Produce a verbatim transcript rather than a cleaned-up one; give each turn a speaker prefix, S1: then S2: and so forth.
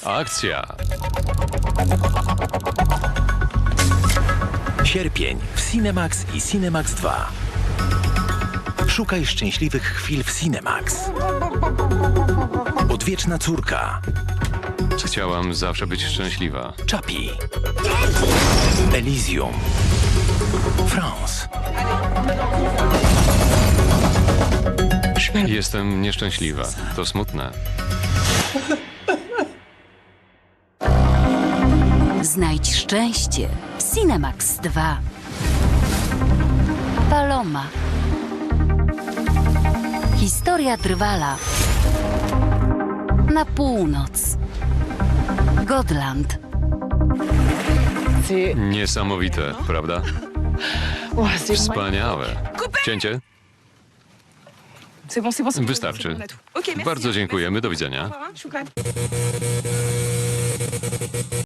S1: Akcja!
S2: Sierpień w Cinemax i Cinemax dwa. Szukaj szczęśliwych chwil w Cinemax. Odwieczna córka.
S1: Chciałam zawsze być szczęśliwa.
S2: Chappie. Elysium. France.
S1: Jestem nieszczęśliwa. To smutne.
S3: Znajdź szczęście w Cinemax dwa. Paloma. Historia Drwala. Na północ. Godland.
S1: Niesamowite, prawda? Wspaniałe. Cięcie? Wystarczy. Bardzo dziękujemy. Do widzenia.